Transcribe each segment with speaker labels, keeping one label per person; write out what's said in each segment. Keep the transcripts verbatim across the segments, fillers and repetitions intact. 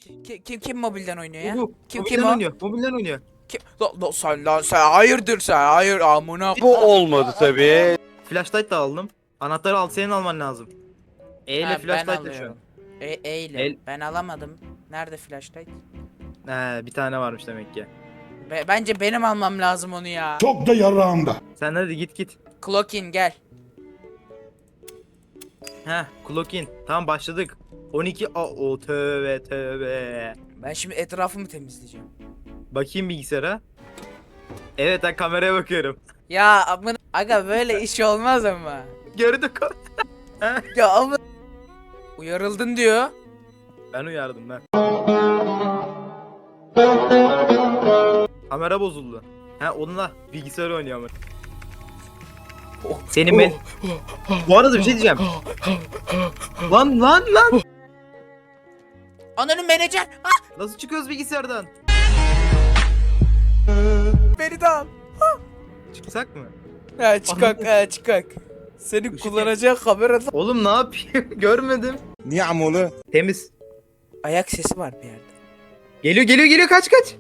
Speaker 1: Kim kim, kim mobilden oynuyor ya?
Speaker 2: Bu,
Speaker 1: Kim
Speaker 2: mobilden
Speaker 1: kim o?
Speaker 2: oynuyor. Mobilden oynuyor.
Speaker 1: Kim? Lan, lan sen lan sen hayırdır sen hayır amına.
Speaker 3: Bu olmadı tabii.
Speaker 2: Flashlight da aldım. Anahtarı al, senin alman lazım. E ile
Speaker 1: Ha, ben
Speaker 2: flashlight da şu an.
Speaker 1: alıyorum. E, e ile.
Speaker 2: El-
Speaker 1: Ben alamadım. Nerede flashlight?
Speaker 2: He, bir tane varmış demek ki.
Speaker 1: Be- bence benim almam lazım onu ya.
Speaker 4: Çok da yarağımda.
Speaker 2: Sen hadi git git.
Speaker 1: Clock in gel.
Speaker 2: Heh, clock in. Tamam başladık. on iki a o tövbe tövbe.
Speaker 1: Ben şimdi etrafımı temizleyeceğim.
Speaker 2: Bakayım bilgisayara. Evet, ben kameraya bakıyorum.
Speaker 1: Ya amına aga böyle iş olmaz ama.
Speaker 2: Gördük.
Speaker 1: Ya ama uyarıldın diyor.
Speaker 2: Ben uyardım ben. Kamera bozuldu. He, onunla bilgisayar oynuyor ama. Senin ben... Bu arada bir şey diyeceğim. Lan lan lan.
Speaker 1: Ananın menajer. Ah,
Speaker 2: Nasıl çıkıyoruz bilgisayardan?
Speaker 1: beni de al.
Speaker 2: Çıksak mı?
Speaker 1: Ha çıkak ha çıkak. Seni
Speaker 2: Işık
Speaker 1: kullanacak kamerada.
Speaker 2: Oğlum ne yapayım? Görmedim.
Speaker 4: Niye amolu?
Speaker 2: Temiz.
Speaker 1: Ayak sesi var bir yerde.
Speaker 2: Geliyor geliyor geliyor, kaç kaç.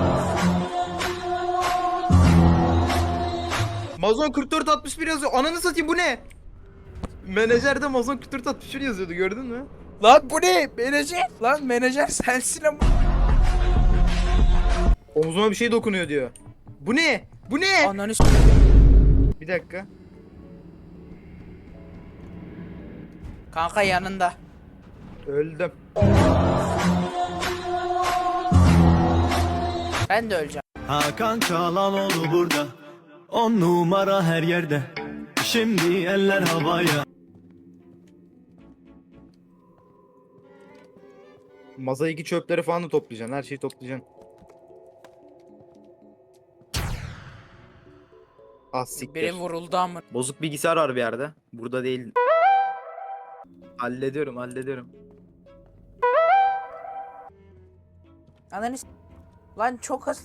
Speaker 2: Mazon kırk dört altmış bir yazıyor. Ananı satayım, bu ne? Menajerde Mazon kırk dört altmış bir yazıyordu, gördün mü?
Speaker 1: Lan bu ne? Menajer. Lan menajer sensin ama.
Speaker 2: Omzuma bir şey dokunuyor diyor. Bu ne? Bu ne?
Speaker 1: Ananı s-
Speaker 2: Bir dakika.
Speaker 1: Kanka yanında.
Speaker 2: Öldüm.
Speaker 1: Ben de öleceğim.
Speaker 5: Hakan Çalhanoğlu burada, on numara her yerde. Şimdi eller havaya.
Speaker 2: Masadaki çöpleri falan da toplayacaksın. Her şeyi toplayacaksın. Az siktir.
Speaker 1: Biri vuruldu ama.
Speaker 2: Bozuk bilgisayar var bir yerde. Burada değil. Hallediyorum, hallediyorum.
Speaker 1: Ananı s- Lan çok hızlı.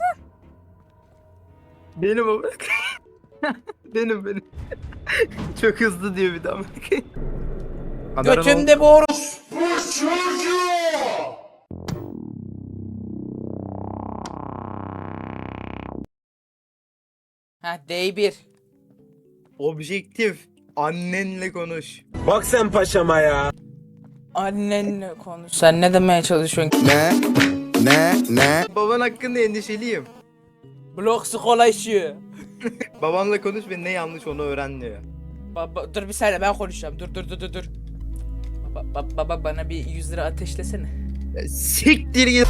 Speaker 2: Benim o. benim benim. Çok hızlı diyor bir daha. Kameranın
Speaker 1: Götümde boru. Ha D bir.
Speaker 2: Objektif. Annenle konuş.
Speaker 3: Bak sen paşama ya.
Speaker 1: Annenle konuş. Sen ne demeye çalışıyorsun?
Speaker 4: Ne? Ne? Ne?
Speaker 2: Baban hakkında endişeliyim.
Speaker 1: Blok skola işi.
Speaker 2: Babanla konuş ve ne yanlış onu öğren diyor.
Speaker 1: Baba dur bir saniye ben konuşacağım. Dur dur dur dur dur. Baba, ba- baba bana bir yüz lira ateşlesene.
Speaker 2: Ya siktir git.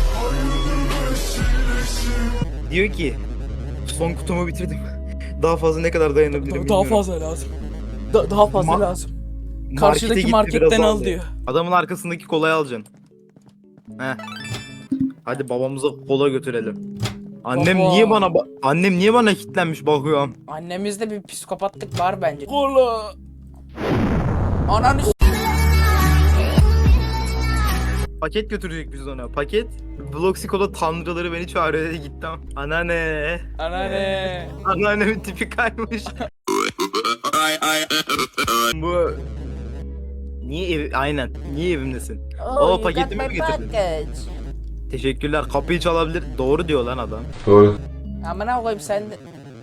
Speaker 2: Diyor ki son kutumu bitirdim. Daha fazla ne kadar dayanabilirim
Speaker 1: Daha,
Speaker 2: bilmiyorum.
Speaker 1: daha fazla lazım. Da- daha fazla
Speaker 2: Ma-
Speaker 1: lazım.
Speaker 2: Markete
Speaker 1: Karşıdaki
Speaker 2: gitti,
Speaker 1: marketten
Speaker 2: biraz
Speaker 1: al
Speaker 2: aldı.
Speaker 1: diyor.
Speaker 2: Adamın arkasındaki kolayı alacaksın. Heh. Hadi babamıza kola götürelim. Annem
Speaker 1: Baba.
Speaker 2: niye bana ba- annem niye bana kilitlenmiş bakıyorum.
Speaker 1: Annemizde bir psikopatlık var bence. Kola. Ananı s-
Speaker 2: Paket götürecek biz ona. Paket. Bloxikola tanrıları beni çağırıyor dedi, gittim. Anneanne.
Speaker 1: Anneanne.
Speaker 2: Anneannemin tipi kaymış. Bu niye ev aynen niye evimdesin?
Speaker 1: Oh, you
Speaker 2: paketimi
Speaker 1: got
Speaker 2: mi
Speaker 1: my
Speaker 2: getirdin?
Speaker 1: package.
Speaker 2: Teşekkürler, kapıyı çalabilir. Doğru diyor lan adam.
Speaker 1: Amına koyayım sen de.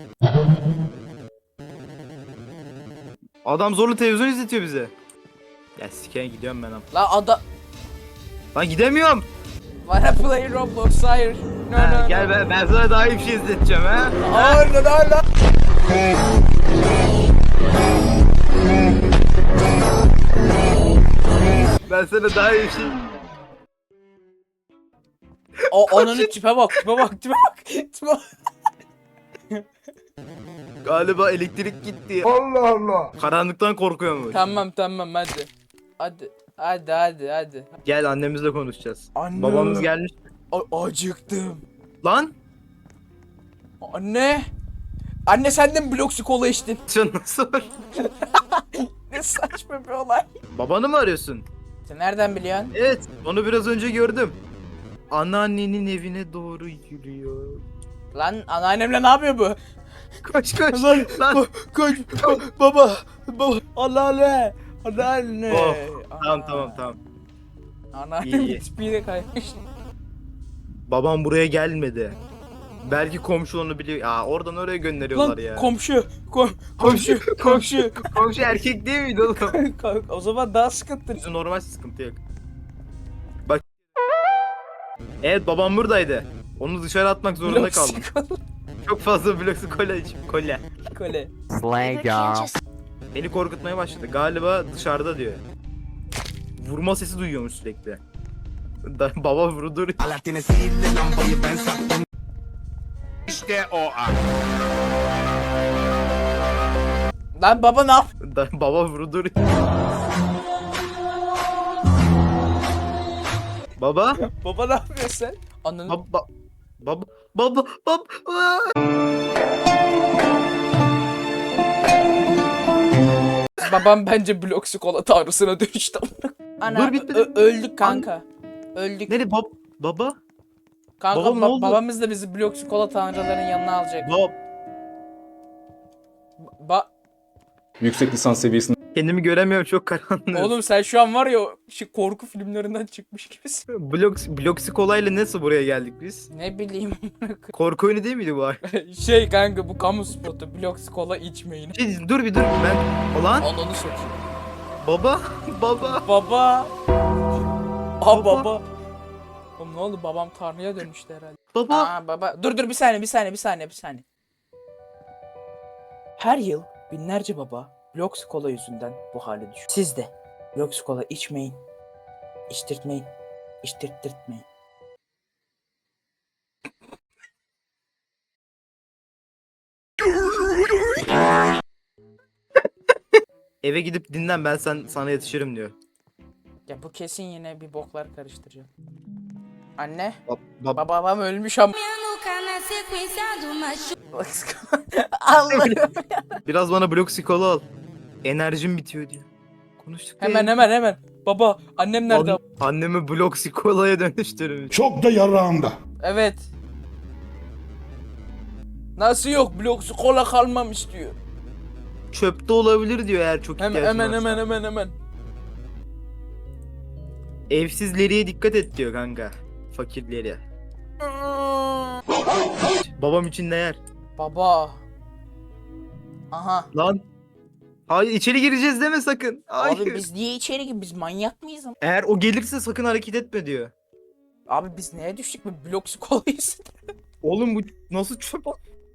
Speaker 2: Adam zorla televizyon izletiyor bize. Ya sikeye gidiyorum ben am.
Speaker 1: La ada.
Speaker 2: Lan gidemiyorum.
Speaker 1: Wanna play Roblox? Hayır. No
Speaker 2: Ha,
Speaker 1: no
Speaker 2: gel
Speaker 1: no.
Speaker 2: ben, ben sana daha iyi bir şey izleteceğim ha.
Speaker 1: Hayır no no no.
Speaker 2: Ben sana daha iyi bir şey.
Speaker 1: O onun tipe bak, tipe bak, tipe bak. Tipe bak.
Speaker 2: Galiba elektrik gitti.
Speaker 4: Allah Allah.
Speaker 2: Karanlıktan korkuyormuş.
Speaker 1: Tamam tamam hadi. Hadi. Hadi hadi hadi.
Speaker 2: Gel annemizle konuşacağız.
Speaker 1: Anne.
Speaker 2: Babamız gelmiş.
Speaker 1: A- acıktım.
Speaker 2: Lan
Speaker 1: Anne. Anne sen de mi Bloxy kola içtin?
Speaker 2: sen nasıl var?
Speaker 1: Ne saçma bir olay.
Speaker 2: Babanı mı arıyorsun?
Speaker 1: Sen nereden biliyorsun?
Speaker 2: Evet, onu biraz önce gördüm. Anneannenin evine doğru yürüyor.
Speaker 1: Lan anneannemle ne yapıyor bu?
Speaker 2: Koş koş.
Speaker 1: Lan,
Speaker 2: Lan.
Speaker 1: ko- koş, ko- baba, baba, anneanne, anneanne.
Speaker 2: Oh, tamam
Speaker 1: Aa,
Speaker 2: tamam tamam. İyi,
Speaker 1: Anneannem
Speaker 2: iyi.
Speaker 1: tipiyle kaymış.
Speaker 2: Babam buraya gelmedi. Belki komşu onu biliyor. Aa oradan oraya gönderiyorlar
Speaker 1: Lan
Speaker 2: ya.
Speaker 1: komşu, kom komşu, komşu.
Speaker 2: Komşu erkek değil miydi oğlum?
Speaker 1: O zaman daha sıkıntı.
Speaker 2: Bizim normal sıkıntı yok. Bak. Evet babam buradaydı. Onu dışarı atmak zorunda kaldım. Çok fazla bloksu kola içim. Kola.
Speaker 1: Kole.
Speaker 2: Beni korkutmaya başladı. Galiba dışarıda diyor. Vurma sesi duyuyormuş sürekli. Da, baba vurdur.
Speaker 4: İşte o an.
Speaker 1: Lan baba ne yap?
Speaker 2: Da, baba vurdur. Baba.
Speaker 1: Baba ne yapıyorsun sen? Ananı...
Speaker 2: Baba. Baba. Baba. Baba.
Speaker 1: Babam bence blok kola tanrısına dönüştü. Ana
Speaker 2: Dur, bitmedi.
Speaker 1: ö- öldük kanka. Öldük.
Speaker 2: Nerede bab baba?
Speaker 1: Kanka
Speaker 2: Babam ne
Speaker 1: ba-
Speaker 2: oldu?
Speaker 1: babamız da bizi blok kola tanrıların yanına alacak.
Speaker 2: Bab.
Speaker 1: Ba
Speaker 6: Yüksek lisans seviyesinde
Speaker 2: Kendimi göremiyorum çok karanlık.
Speaker 1: Oğlum sen şu an var ya şu korku filmlerinden çıkmış gibisin.
Speaker 2: Blok Bloxikolayla nasıl buraya geldik biz?
Speaker 1: Ne bileyim.
Speaker 2: Korku oyunu değil miydi bu ay?
Speaker 1: Şey kanka bu kamu spotu blok kola içmeyin.
Speaker 2: Şey, dur bir dur ben. Ulan
Speaker 1: Ananı sokayım.
Speaker 2: baba baba.
Speaker 1: Baba. Aa
Speaker 2: Baba.
Speaker 1: baba. Oğlum ne oldu babam tanrıya dönüştü herhalde.
Speaker 2: Baba.
Speaker 1: Aa baba. Dur dur bir saniye bir saniye bir saniye bir saniye. Her yıl binlerce baba blok kola yüzünden bu hale düşüyor. Siz de blok kola içmeyin. İçtirtmeyin. İçtirttirtmeyin.
Speaker 2: Eve gidip dinlen ben sen sana yetişirim diyor.
Speaker 1: Ya bu kesin yine bir boklar karıştıracak. Anne.
Speaker 2: Bab, bab-
Speaker 1: Baba babam ölmüş ama.
Speaker 7: Nunca na sequência do machucado.
Speaker 1: Allah'ım.
Speaker 2: Biraz bana Bloxikola al. Enerjim bitiyor diyor. Konuştuk.
Speaker 1: Hemen hemen hemen. Baba annem nerede?
Speaker 2: An- annemi Bloxikola'ya dönüştürmüş.
Speaker 4: Çok da yarağımda.
Speaker 1: Evet. Nasıl yok? Blok kola kalmamış diyor.
Speaker 2: Çöpte olabilir diyor eğer çok
Speaker 1: Hemen
Speaker 2: ihtiyacın
Speaker 1: hemen
Speaker 2: varsa.
Speaker 1: hemen hemen hemen.
Speaker 2: Evsizleriye dikkat et diyor kanka. Fakirlere. Babam için ne yer?
Speaker 1: Baba. Aha.
Speaker 2: Lan. Hayır içeri gireceğiz deme sakın. Hayır.
Speaker 1: Abi biz niye içeri gibi? Biz manyak mıyız ama?
Speaker 2: Eğer o gelirse sakın hareket etme diyor.
Speaker 1: Abi biz neye düştük mü? Blok kolayız.
Speaker 2: Oğlum bu nasıl çöp?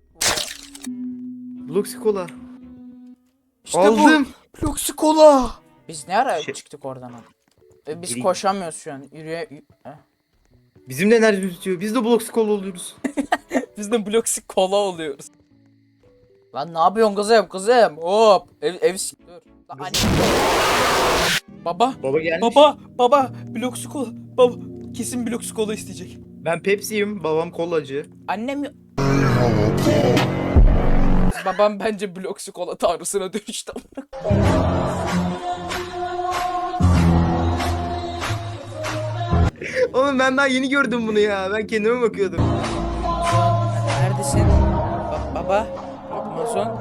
Speaker 2: Bloxikola.
Speaker 1: İşte
Speaker 2: Aldım.
Speaker 1: bu. Blok kola. Biz ne ara
Speaker 2: Şey-
Speaker 1: çıktık oradan abi? E, biz
Speaker 2: Gireyim.
Speaker 1: koşamıyoruz şu an. Yürüye... y- Heh.
Speaker 2: Bizim de enerji bitiyor. Biz de Bloxikola oluyoruz.
Speaker 1: Biz de blok kola oluyoruz. Lan ne yapıyorsun kızım kızım? Hop. Ev ev s- dur. Lan anne. Baba.
Speaker 2: Baba gelmiş.
Speaker 1: Baba. Baba. Blok kola. Baba. Kesin blok kola isteyecek.
Speaker 2: Ben Pepsi'yim. Babam kolacı.
Speaker 1: Annem yok. Babam bence blok kola tanrısına dönüştü.
Speaker 2: Oğlum ben daha yeni gördüm bunu ya. Ben kendime bakıyordum.
Speaker 1: Neredesin? Ba- baba. Amazon.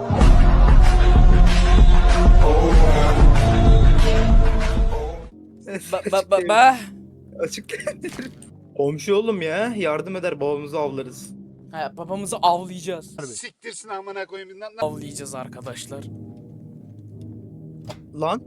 Speaker 1: Ba ba ba ba.
Speaker 2: Açık. Komşu oğlum ya. Yardım eder babamızı avlarız.
Speaker 1: Ha, babamızı avlayacağız.
Speaker 4: Siktirsin amına koyayım. Lan-
Speaker 1: Avlayacağız arkadaşlar.
Speaker 2: Lan.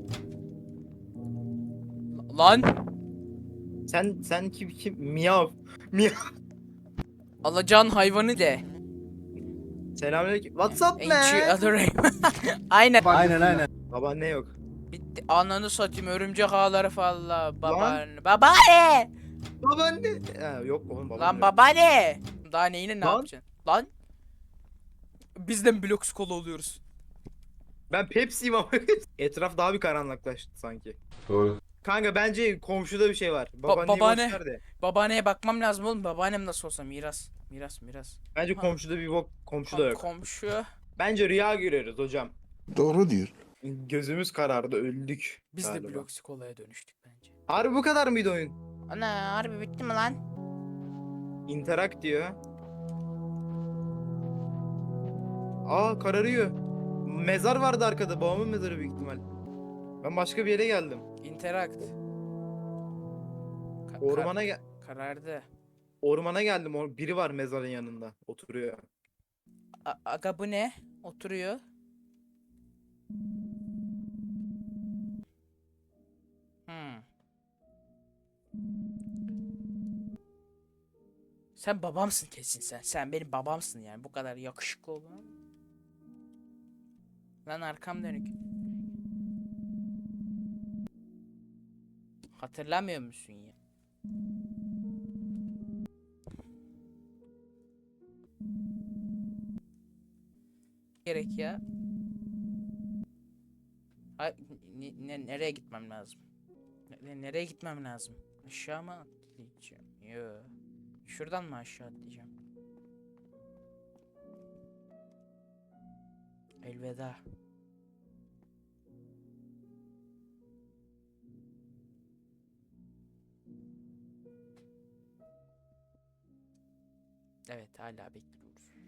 Speaker 1: Lan.
Speaker 2: Sen sen kim kim? Miyav. Miyav.
Speaker 1: Alacağın hayvanı de.
Speaker 2: Selamünaleyküm. WhatsApp
Speaker 1: Ain't
Speaker 2: ne?
Speaker 1: you other Aynen.
Speaker 5: Aynen aynen.
Speaker 2: Babaanne yok.
Speaker 1: Bitti. Ananı satayım örümcek ağları falan. Babaanne. Babaanne.
Speaker 2: Babaanne. Ha, yok oğlum babaanne.
Speaker 1: Lan
Speaker 2: yok.
Speaker 1: babaanne. Daha neyini ne
Speaker 2: Lan.
Speaker 1: yapacaksın? Lan. Biz de mi blok kola oluyoruz?
Speaker 2: Ben Pepsi'yim ama. Etraf daha bir karanlıklaştı sanki.
Speaker 6: doğru.
Speaker 2: Kanka bence komşuda bir şey var. Babaanneyi
Speaker 1: babaanne.
Speaker 2: boş ver de.
Speaker 1: Babaanneye bakmam lazım oğlum. Babaannem nasıl olsa miras. Miras miras.
Speaker 2: Bence
Speaker 1: Ha.
Speaker 2: komşuda bir bok komşuda
Speaker 1: Kom-
Speaker 2: yok.
Speaker 1: komşu.
Speaker 2: Bence rüya görüyoruz hocam.
Speaker 4: Doğru diyor.
Speaker 2: Gözümüz karardı öldük.
Speaker 1: Biz de
Speaker 2: galiba.
Speaker 1: blok kolaya dönüştük bence.
Speaker 2: Harbi bu kadar mıydı oyun?
Speaker 1: Ana harbi bitti mi lan?
Speaker 2: Interact diyor. Aa kararıyor. Mezar vardı arkada. Babamın mezarı büyük ihtimal. Ben başka bir yere geldim.
Speaker 1: Interact. Ka- kar-
Speaker 2: Ormana gel.
Speaker 1: karardı.
Speaker 2: Ormana geldim. or- Biri var mezarın yanında. Oturuyor.
Speaker 1: A- aga bu ne? Oturuyor. Hmm. Sen babamsın kesin sen. Sen benim babamsın yani. Bu kadar yakışıklı olan. Lan arkam dönük. Hatırlamıyor musun ya? Gerek ya. Ay, ne, ne- nereye gitmem lazım? Ne- nereye gitmem lazım? Aşağı mı atlayacağım? Yo. Şuradan mı aşağı atlayacağım? Elveda. Evet, hala bekliyoruz.